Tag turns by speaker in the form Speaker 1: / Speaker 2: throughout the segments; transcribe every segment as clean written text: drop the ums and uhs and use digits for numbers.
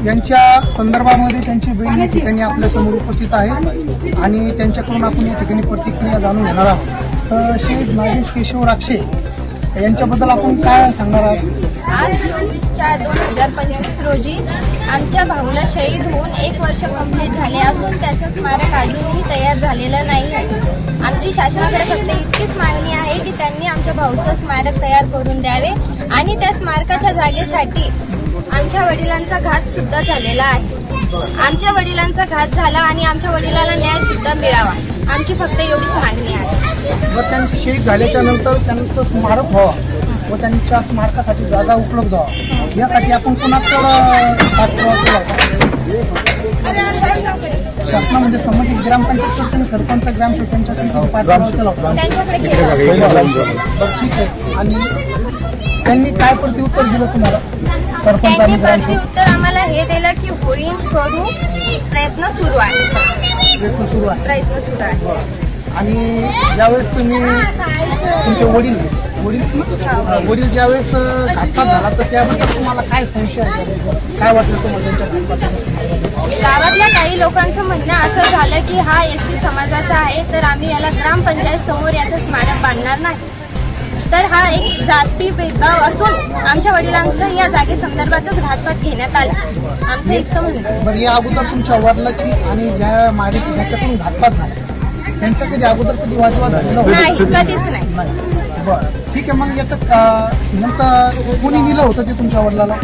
Speaker 1: यांच्या संदर्भामध्ये त्यांची बहीण या ठिकाणी आपल्यासमोर उपस्थित आहे आणि त्यांच्याकडून आपण या ठिकाणी प्रतिक्रिया जाणून घेणार आहोत. तर श्री नागेश केशव राक्षे यांच्याबद्दल आपण काय सांगणार आहात?
Speaker 2: आज 24/4/2025 रोजी आमच्या भाऊला शहीद होऊन 1 वर्ष कंप्लीट झाले असून त्याचं स्मारक अजूनही तयार झालेलं नाही. आमची शासनाकडे फक्त इतकीच मागणी आहे की त्यांनी आमच्या भाऊचं स्मारक तयार करून द्यावे आणि त्या स्मारकाच्या जागेसाठी आमच्या वडिलांचा घात सुद्धा झालेला आहे. आमच्या वडिलांचा घात झाला आणि आमच्या वडिलांना न्याय सुद्धा मिळावा. आमची फक्त एवढीच मागणी आहे.
Speaker 1: व त्यांचे शहीद झाल्याच्या नंतर त्यांचं स्मारक व्हावं व त्यांच्या स्मारकासाठी जागा उपलब्ध व्हावा यासाठी आपण कुणाकडे पाठपुरावा केला होता? शासनामध्ये संबंधित ग्रामपंचायत आणि सरपंच ग्रामसेवकांच्याकडे पाठपुरावा केला होता.
Speaker 2: त्यांच्याकडे केलं.
Speaker 1: ठीक आहे. आणि त्यांनी काय प्रत्युत्तर दिलं तुम्हाला? सरपंच आणि
Speaker 2: त्यांनी
Speaker 1: ग्रामसेवक
Speaker 2: प्रत्युत्तर आम्हाला हे दिलं की होईल करू, प्रयत्न सुरू आहे.
Speaker 1: प्रयत्न सुरू आहे.
Speaker 2: प्रयत्न सुरू आहे.
Speaker 1: आणि ज्यावेळेस तुम्ही तुमचे वडील ज्यावेळेस घातपात झाला तर त्याबद्दल तुम्हाला काय संशय आहे? काय वाटलं तुम्हाला त्यांच्या घातपाताबद्दल?
Speaker 2: गावातल्या काही लोकांचं म्हणणं असं झालं की हा एससी समाजाचा आहे तर आम्ही याला ग्रामपंचायत समोर याचं स्मारक बांधणार नाही. तर हा एक जाती भेदभाव असून आमच्या वडिलांचं या जागे संदर्भातच घातपात घेण्यात आला. आमचं इतकं म्हणणं.
Speaker 1: बरं, या अगोदर तुमच्या वडिलाची आणि ज्या मारेची ज्याच्याकडून घातपात झाला त्यांचा कधी अगोदर कधी वादविवाद झालेला
Speaker 2: नाही,
Speaker 1: होता?
Speaker 2: कधीच नाही.
Speaker 1: बरं, ठीक आहे. मग याचं नेमकं कोणी नेलं होतं ते तुमच्या वडिलाला?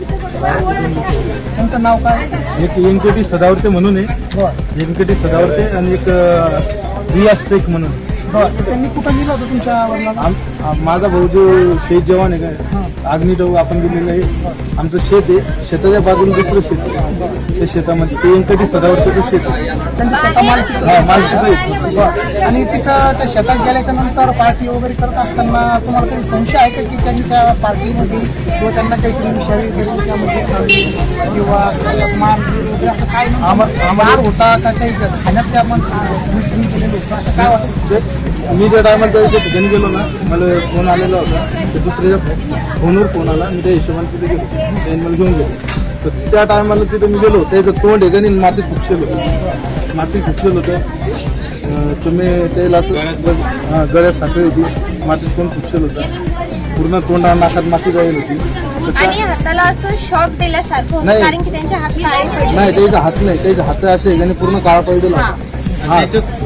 Speaker 1: त्यांचं नाव काय?
Speaker 3: एक व्यंकटी सदावर्ते म्हणून आहे.
Speaker 1: बरं
Speaker 3: व्यंकटी सदावर्ते आणि एक रियाज शेख म्हणून.
Speaker 1: बरं, तर त्यांनी कुठं नेलं होतं तुमच्या वडिलाला?
Speaker 3: माझा भाऊ जो शेत जवान आहे काय अग्निडव आपण गेलेलं आहे. आमचं शेत आहे, शेताच्या बाजूला दुसरं शेत आहे. त्या शेतामध्ये ते व्यंकटी सदावर्तेचं शेत आहे.
Speaker 1: त्यांचं स्वतः मालकीचं?
Speaker 3: हा, मालकीचं आहे.
Speaker 1: बरं. आणि तिथं त्या शेतात गेल्याच्या नंतर पार्टी वगैरे करत असताना तुम्हाला काही संशय आहे का की त्यांनी त्या पार्टीमध्ये किंवा त्यांना काहीतरी विषारी वगैरे त्यामध्ये खाल्ली किंवा मार वगैरे असं काय मार होता का काही खाण्यात त्या मुस्लिम केलेलं होतं असं काय वाटतं?
Speaker 3: मी ज्या टायमाला त्या ठिकाणी गेलो ना मला फोन आलेला होता. तर दुसऱ्याच्या फोनवर फोन आला. मी त्या हिशोबाने तिथे गेलो. त्यांनी मला घेऊन गेलो. तर त्या टायमाला तिथे मी गेलो. त्याचं तोंड आहे का नाही मातीत खुपसेल होतं. मातीत खुपसेल होतं. तुम्ही त्याला असं गळ्यात साखळी होती. मातीत तोंड खुपसेल होतं. पूर्ण तोंडा नाकात माती जाईल होती.
Speaker 2: आणि हाताला असं शॉक दिल्यासारखं होतं
Speaker 3: नाही.
Speaker 2: कारण की त्यांच्या हात काळे पडले.
Speaker 3: नाही त्याचा हात नाही. त्याचे हात असे आणि पूर्ण काळा पडलेला. हा,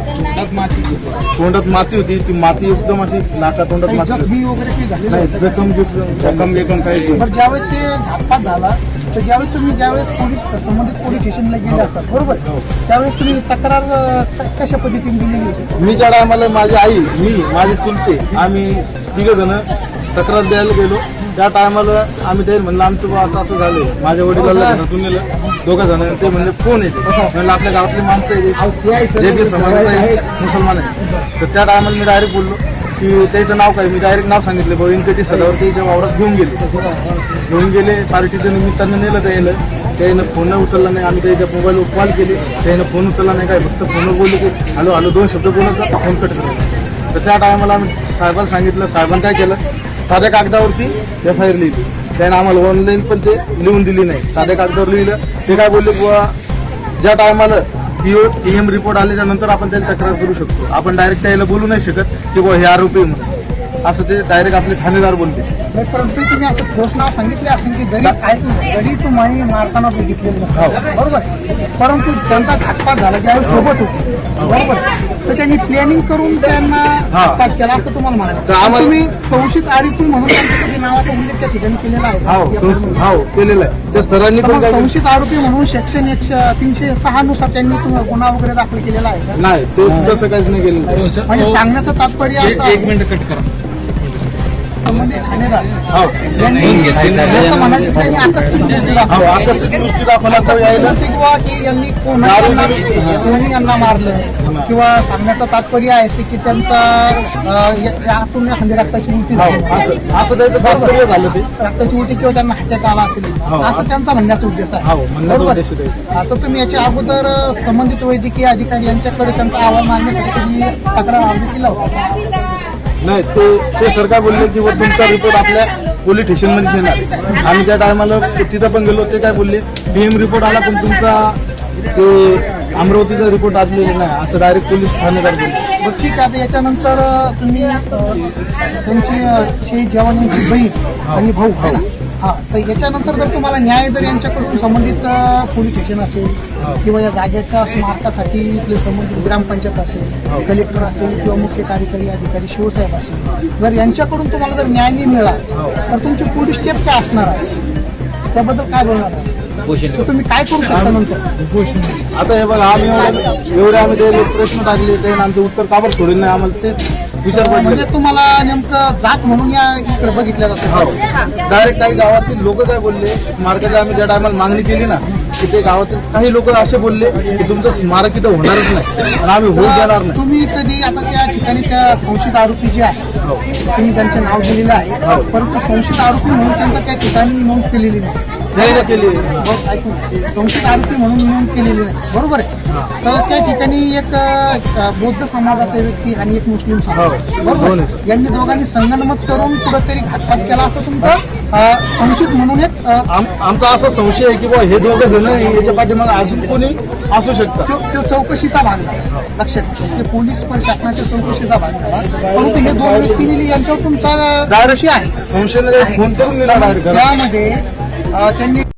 Speaker 3: तोंडात माती होती. ती माती एकदम अशी नाका तोंडात
Speaker 1: काही
Speaker 3: माती
Speaker 1: जखमी वगैरे काही झालेलं
Speaker 3: नाही.
Speaker 1: होतं?
Speaker 3: जखम काही
Speaker 1: बरं, ज्यावेळेस ते घातपात झाला तर ज्यावेळेस पोलीस संबंधित पोलीस स्टेशनला गेले असतात बरोबर, त्यावेळेस तुम्ही तक्रार कशा पद्धतीने दिलेली होती?
Speaker 3: मी ज्या टायमाला माझी आई माझे चुलते आम्ही तिघ जण तक्रार द्यायला गेलो. त्या टायमाला आम्ही ते म्हणलं आमचं बा असं असं झालं. माझ्या वडिलांना घरातून नेलं 2 जण. ते म्हणले कोण येते म्हणलं आपल्या गावातले माणसं आहे जे की समाज आहे मुसलमान आहे. तर त्या टायमाला मी डायरेक्ट बोललो की त्याचं नाव काय. मी डायरेक्ट नाव सांगितलं भाऊ व्यंकटी सदावर्तेच्या वावरात घेऊन गेले. पार्टीच्या निमित्तानं नेलं त्यानं फोन उचलला नाही. आम्ही त्याच्या मोबाईलवर कॉल केले. त्यानं फोन उचलला नाही. काय फक्त फोनवर बोलले की हॅलो हॅलो 2 शब्द बोलत फोन कट केला. तर त्या टायमाला आम्ही साहेबांना सांगितलं. साहेबांनी काय केलं साध्या कागदावरती FIR लिहिली. त्यानं आम्हाला ऑनलाईन पण ते लिहून दिली नाही. साध्या कागदावर लिहिलं. ते काय बोलले बुवा ज्या टायमाला PM रिपोर्ट आल्याच्या नंतर आपण त्याला तक्रार करू शकतो. आपण डायरेक्ट त्याला बोलू नाही शकत की बुवा हे आरोपी म्हणून. असं ते डायरेक्ट आपले ठाणेदार बोलते.
Speaker 1: परंतु तुम्ही असं ठोस नाव सांगितले असेल की जरी तुम्ही मारताना बघितलेलं नसेल बरोबर, परंतु त्यांचा घातपात झाला ज्यावेळी सोबत होते बरोबर, तर त्यांनी प्लॅनिंग करून त्यांना घातपात केला असं तुम्हाला म्हणायचं. तुम्ही संशयित आरोपी म्हणून त्यांच्या नावाचा उल्लेख त्या ठिकाणी केलेला आहे?
Speaker 3: हो केलेला आहे. त्या सरांनी पण
Speaker 1: संशयित आरोपी म्हणून सेक्शन 306 नुसार त्यांनी गुन्हा वगैरे दाखल केलेला आहे का?
Speaker 3: नाही. ते तसं काहीच नाही केलेलं.
Speaker 1: म्हणजे सांगण्याचं तात्पर्य असं आहे म्हणजे ठाणेदार म्हणायचं त्यांनी
Speaker 3: आकस्मिक मृत्यू दाखवला तर यायला
Speaker 1: किंवा की यांनी कोणी यांना मारलं किंवा सांगण्याचं तात्पर्य आहे की त्यांचा आतून एखादी रक्ताची उलटी झाली
Speaker 3: असं त्याचं तात्पर्य झालं. ते
Speaker 1: रक्ताची उलटी किंवा त्यांना अटॅक आला असेल असं त्यांचा म्हणण्याचा उद्देश आहे बरोबर. आता तुम्ही याच्या अगोदर संबंधित वैद्यकीय अधिकारी यांच्याकडे त्यांचा अहवाल मागण्यासाठी कधी तक्रार अर्ज केला होता?
Speaker 3: नाही. ते सर काय बोलले की तुमचा रिपोर्ट आपल्या पोलीस स्टेशनमध्ये येणार. आम्ही त्या टायमाला तिथं पण गेलो. ते काय बोलले, पीएम रिपोर्ट आला पण तुमचा ते अमरावतीचा रिपोर्ट आलेला नाही, असं डायरेक्ट पोलीस ठाणेदार बोलले.
Speaker 1: बरं ठीक आहे. आता याच्यानंतर तुम्ही त्यांची शहीद जवानांची बहीण आणि भाऊ आहे ना, हा, तर याच्यानंतर जर तुम्हाला न्याय जर यांच्याकडून संबंधित पोलीस स्टेशन असेल किंवा या जागेच्या स्मारकासाठी इथले संबंधित ग्रामपंचायत असेल, कलेक्टर असेल किंवा मुख्य कार्यकारी अधिकारी शिवसाहेब असेल, जर यांच्याकडून तुम्हाला जर न्याय नाही मिळाला तर तुमची पुढील स्टेप काय असणार आहे, त्याबद्दल काय बोलणार आहे? तर तुम्ही काय करू शकता नंतर?
Speaker 3: आता हे बघा, आम्ही एवढे आम्ही ते प्रश्न टाकले, ते आमचं उत्तर काबर सोडलं नाही, आम्हाला तेच विचार पडले.
Speaker 1: म्हणजे तुम्हाला नेमकं जात म्हणून या इकडे बघितलं जातं.
Speaker 3: डायरेक्ट काही गावातील लोक काय बोलले, स्मारकाची आम्ही ज्या टायमाला मागणी केली ना, की ते गावातील काही लोक असे बोलले की तुमचं स्मारक इथं होणारच नाही आणि आम्ही होऊ देणार नाही.
Speaker 1: तुम्ही कधी आता त्या ठिकाणी त्या संशयित आरोपी जे आहे तुम्ही त्यांचं नाव दिलेलं आहे, परंतु संशयित आरोपी म्हणून त्यांचं त्या ठिकाणी नोंद केलेली नाही.
Speaker 3: नाही केली.
Speaker 1: ऐकून संशयित आरोपी म्हणून नोंद केलेली नाही, बरोबर आहे. तर त्या ठिकाणी एक बौद्ध समाजाचा व्यक्ती आणि एक मुस्लिम समाज, बरोबर, यांनी दोघांनी संगनमत करून कुठेतरी घातपात केला असं तुमचं संशयित म्हणून एक
Speaker 3: आमचा असा संशय आहे की बुवा हे दोघं जण याच्या पाठीमागे अजून कोणी असू शकतं.
Speaker 1: तो चौकशीचा भाग झाला, लक्षात घ्या. ते पोलीस प्रशासनाच्या चौकशीचा भाग झाला, परंतु हे दोन व्यक्तींनी यांच्यावर तुमचा
Speaker 3: डायरेक्ट आहे संशयाने फोन करून दिला डायरेक्ट.
Speaker 1: त्यामध्ये त्यांनी